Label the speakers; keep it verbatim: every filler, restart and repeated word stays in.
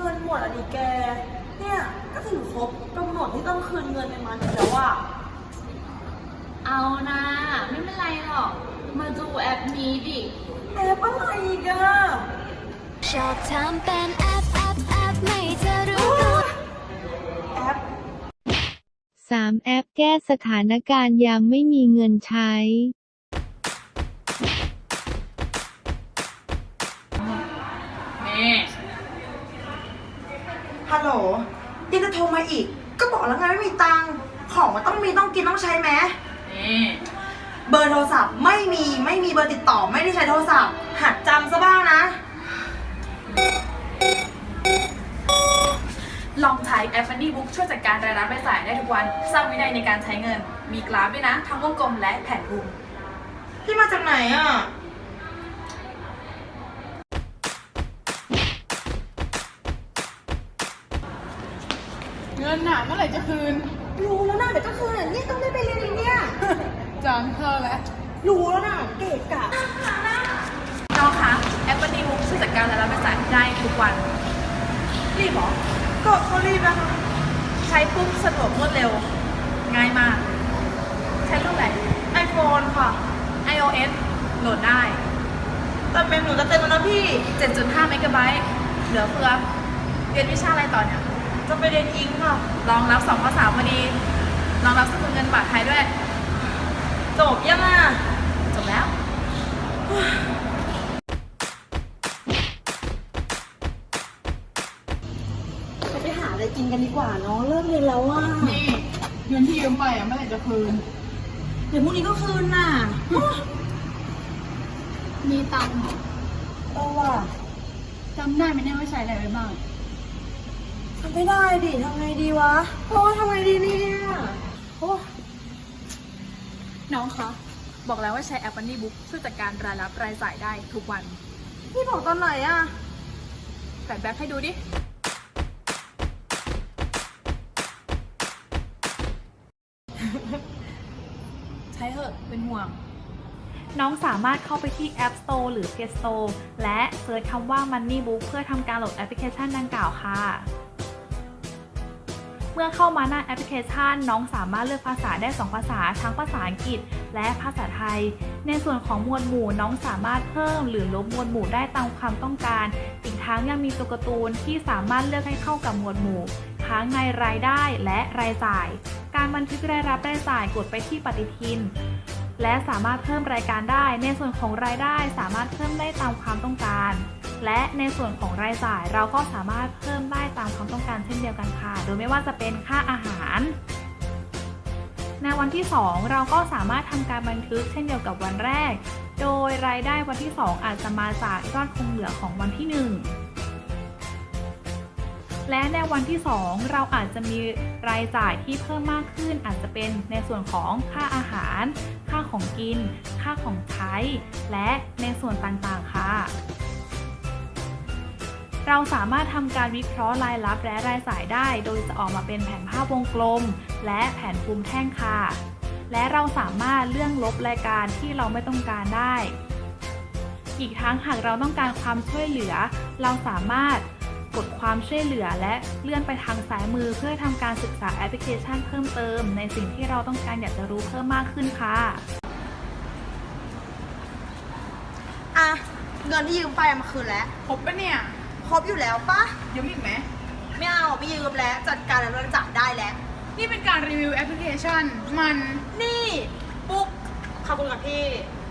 Speaker 1: งินหมดอ่ะดิแกเนี่ยก็ถึงครบกำหนดที่ต้องคืนเงินในมันแล้วอ่ะ
Speaker 2: เอานะไม่เป็นไรหรอกมาดูแอปนี้ดิ
Speaker 1: แอปอะไรอีกอะ
Speaker 3: ชอบทำเป็นแอปแอปแอปไม่จะรู้
Speaker 1: แอป
Speaker 4: สามแอปแก้สถานการณ์ยามไม่มีเงินใช้
Speaker 2: นี่
Speaker 1: ฮัลโหลยังจะโทรมาอีกก็บอกแล้วไงไม่มีตังค์ของมันต้องมีต้องกินต้องใช้ไหม
Speaker 2: นี่
Speaker 1: เบอร์โทรศัพท์ไม่มีไม่มีเบอร์ติดต่อไม่ได้ใช้โทรศัพท์หัดจำซะบ้างนะ
Speaker 2: ลองใช้แอป Money Book ช่วยจัดการรายรับรายจ่ายได้ทุกวันสร้างวินัยในการใช้เงินมีกราฟด้วยนะทั้งวงกลมและแผนภูมิ
Speaker 1: พี่มาจากไหนอ่ะ
Speaker 5: เงินหนาเมื่อไหร่จะคืน
Speaker 1: รู้แล้วนะเดี๋ยวก็คืนเนี่ยต้องได้ไปเรียนอีกเนี่ย
Speaker 5: จำเธอแล้ว
Speaker 1: รู้แล้วนะเกะกะ
Speaker 2: น้องคะแอป Money Book ช่วยจัดการรายรับรายจ่ายได้ทุกวันรีบหรอ
Speaker 1: ก็เขารีบนะคะ
Speaker 2: ใช้ปุ๊บสะดวกรวดเร็วง่ายมากใช้รุ่นไหน
Speaker 1: ไอโฟน ค่ะ
Speaker 2: ไอ โอ เอส โหลดได้
Speaker 1: แต่เป็นหนูจะเต็มแล้วนะพี่
Speaker 2: เจ็ดจุดห้า เมกะไบต์เหลือเฟือเรียนวิชาอะไรต่อเนี่ย
Speaker 1: จะไปเรียนอิงค่ะ
Speaker 2: รองรับสองภาษาพอดีรองรับสกุลเงินบาทไทยด้วย
Speaker 1: จบยังอ่ะ
Speaker 2: จบแล้ว
Speaker 1: ไปหาอะไรกินกันดีกว่าเนาะเลิกเรียนแล้วอ่ะ
Speaker 5: นี่เงินที่ยืมไปอ่ะเมื่อไหร่จะคืน
Speaker 1: เดี๋ยวพรุ่งนี้ก็คืนน่ะ
Speaker 5: มีตังค์
Speaker 1: เออว่ะ
Speaker 5: จำได้ไหมเนี่ยว่าใช้อะไรไปบ้าง
Speaker 1: ทำไม่ได้ดิทำไงดีวะโอ้ทำไงดีเนี่ยโอ้
Speaker 2: น้องคะบอกแล้วว่าใช้แอป Money Book ช่วยจัดการรายรับรายจ่ายได้ทุกวัน
Speaker 1: พี่บอกตอนไหนอ่ะ
Speaker 2: แปะแบ็คให้ดูดิใช้เถอะเป็นห่วงน้องสามารถเข้าไปที่ App Store หรือ Play Store และเซิร์ชคำว่า Money Book เพื่อทำการโหลดแอปพลิเคชันดังกล่าวค่ะเมื่อเข้ามาหน้าแอปพลิเคชันน้องสามารถเลือกภาษาได้สองภาษาทั้งภาษาอังกฤษและภาษาไทยในส่วนของหมวดหมู่น้องสามารถเพิ่มหรือลบหมวดหมู่ได้ตามความต้องการอีกทั้งยังมีตัวการ์ตูนที่สามารถเลือกให้เข้ากับหมวดหมู่ทั้งในรายได้และรายจ่ายการบันทึกรายรับรายจ่ายกดไปที่ปฏิทินและสามารถเพิ่มรายการได้ในส่วนของรายได้สามารถเพิ่มได้ตามความต้องการและในส่วนของรายจ่ายเราก็สามารถเพิ่มได้ตามความต้องการเช่นเดียวกันค่ะโดยไม่ว่าจะเป็นค่าอาหารในวันที่สองเราก็สามารถทำการบันทึกเช่นเดียวกับวันแรกโดยรายได้วันที่สองอาจจะมาจากยอดคงเหลือของวันที่หนึ่งและในวันที่สองเราอาจจะมีรายจ่ายที่เพิ่มมากขึ้นอาจจะเป็นในส่วนของค่าอาหารค่าของกินค่าของใช้และในส่วนต่างๆค่ะเราสามารถทำการวิเคราะห์รายรับและรายจ่ายได้โดยจะออกมาเป็นแผนภาพวงกลมและแผนภูมิแท่งค่ะและเราสามารถเลื่อนลบรายการที่เราไม่ต้องการได้อีกทั้งหากเราต้องการความช่วยเหลือเราสามารถกดความช่วยเหลือและเลื่อนไปทางซ้ายมือเพื่อทำการศึกษาแอปพลิเคชันเพิ่มเติมในสิ่งที่เราต้องการอยากจะรู้เพิ่มมากขึ้นค่ะ
Speaker 1: อ่ะเงินที่ยืมไปมาคืนแล้ว
Speaker 5: ครบปะเนี่ย
Speaker 1: ครบอยู่แล้วปะ
Speaker 5: ยืมอีกไหม
Speaker 1: ไม่เอาไม่ยืมแล้วจัดการแล้วเราจัดได้แล้ว
Speaker 5: นี่เป็นการรีวิวแอปพลิเคชันมัน
Speaker 1: นี่ปุ๊กขอบคุณกับพี่